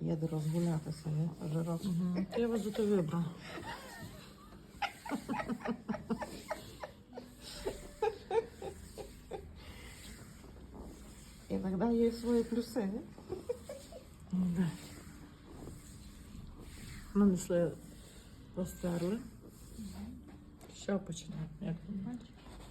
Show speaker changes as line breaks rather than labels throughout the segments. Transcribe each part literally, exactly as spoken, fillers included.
Їде розгулятися, ні? Жирок.
Угу. Я вас зато вибрала.
Іноді є свої плюси, ні?
Да. Нанесли, розтерли. Що починаємо? Як ви бачите?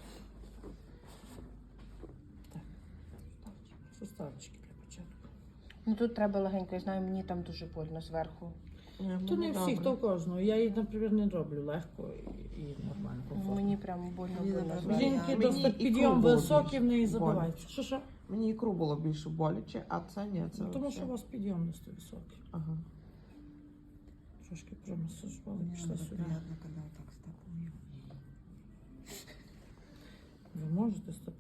Так. Составочки для початку.
Ну тут треба легенько, я знаю, мені там дуже больно зверху.
То не всіх, то кожного. Я її, наприклад, не роблю легко і, і нормально, комфортно.
Мені прям больно
Мені
больно
не
зверху.
Жінки
Мені
досить
ікру
підйом
було
високий, в неї
більше
забивають. Що що?
Мені ікру було більше боляче, а це ні. Це
Ну, тому
вообще-
що у вас підйом досить високий.
Ага.
Трошки промасажували, пішли сюди.
приятно, коли отак стопою.
Ви можете стоп.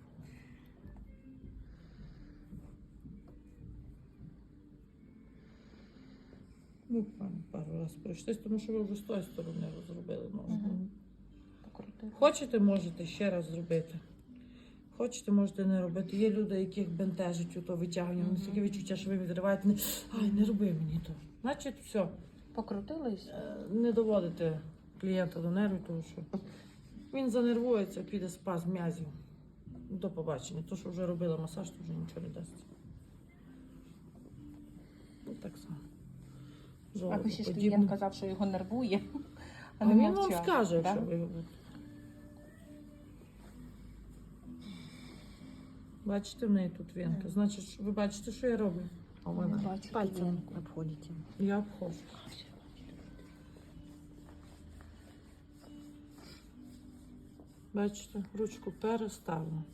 Буквально пару разів пройшлись, тому що ви вже з тої сторони розробили ножку.
Мгм. Покрутила.
Хочете, можете ще раз зробити. Хочете, можете не робити. Є люди, яких бентежить у то витягування. Вони таке відчуття, що ви відриваєте. Не, ай, не роби мені то. Значить, все.
Покрутились?
Е, Не доводите клієнта до нервів, тому що він занервується, піде спазм м'язів. До побачення. То, що вже робила масаж, то вже нічого не дасть. Ну, так само.
А ви ще ж
Жолобоподібне.
клієнт казав, що його нервує.
А
не
він вам
мовчав,
скаже,
да?
якщо ви його. Бачите, в неї тут вінка. Значить, ви бачите, що я роблю?
А у
Не
мене
бачу
Пальцем
вінку.
обходите.
Я обходжу. Бачите, ручку переставила.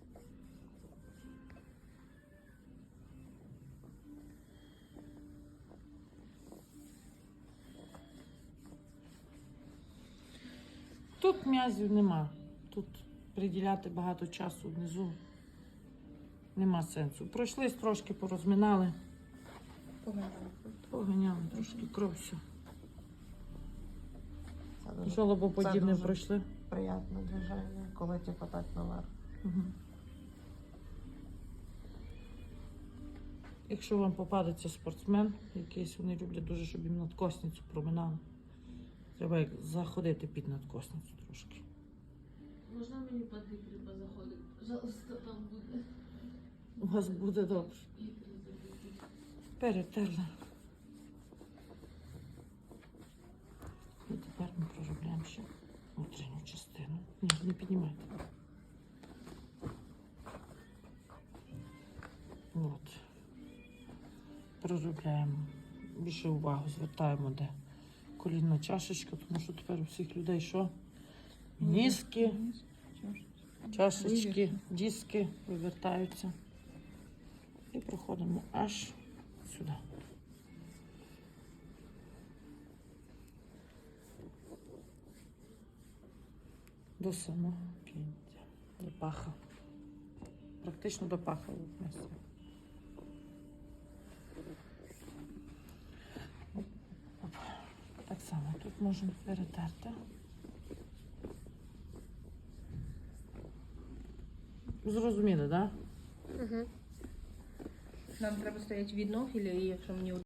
Тут м'язів нема. Тут приділяти багато часу внизу нема сенсу. Пройшлись трошки, порозминали,
Погано.
поганяли трошки кров всю.
це дуже
Жолобоподібне
дуже-
пройшли.
приємне движення, коли типу так наверх.
Угу. Якщо вам попадеться спортсмен, якийсь вони люблять дуже, щоб їм надкосницю проминали. Треба як заходити під надкосницю трошки.
Можна мені під ікри заходити? Пожалуйста, там буде
У вас буде добре.
ікри забити.
Перетерли. І тепер ми проробляємо ще внутрішню частину. Ні, не піднімайте. От. Проробляємо. Більше увагу звертаємо, де колінна чашечка, тому що тепер у всіх людей що? Ніски, чашечки, диски вивертаються. І проходимо аж сюди. До самого кінця, до паха. Практично до паха віднесли. Так само тут можемо перетерти. Зрозуміли, так? Да?
Нам треба стояти від ног, або якщо мені